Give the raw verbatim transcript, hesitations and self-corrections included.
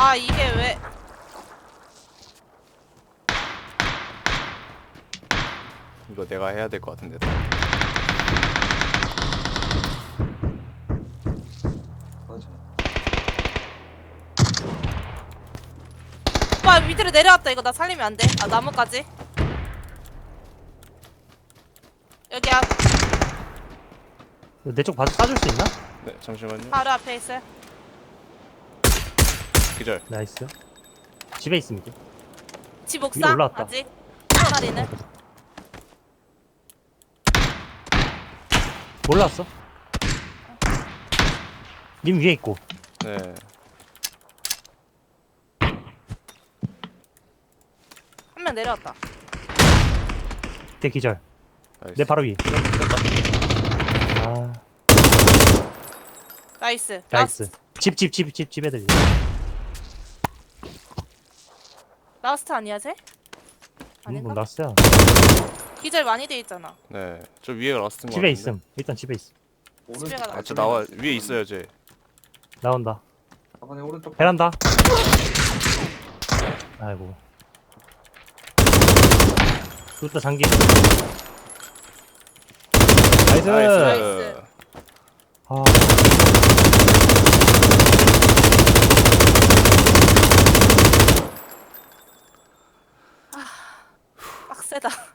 아 이게 왜? 이거 내가 해야 될 것 같은데. 맞아. 오빠 밑으로 내려왔다. 이거 나 살리면 안 돼. 아 나무까지. 여기야. 내 쪽 봐줘 싸줄 수 있나? 네, 잠시만요. 바로 앞에 있어요. 기절. 나이스. 집에 있습니다. 집 위로 옥상 올라왔다. 아직 한 마리는. 올라왔어. 님 위에 있고. 네. 한 명 내려왔다. 대 기절. 나이스. 내 바로 위. 아 나이스. 나이스. 집 집 집 집 집 애들. 라스트 아니야 쟤? 음, 아닌가? 나왔어요. 기절 많이 돼 있잖아. 네. 저 위에 라스트인 것 집에 같은데. 있음. 일단 집에 있음. 집에 가다. 아, 저 나와 위에 있어요, 쟤. 나온다. 아버님 오른쪽. 베란다. 아이고. 또 장기. 나이스. 나이스. 아. 빡세다.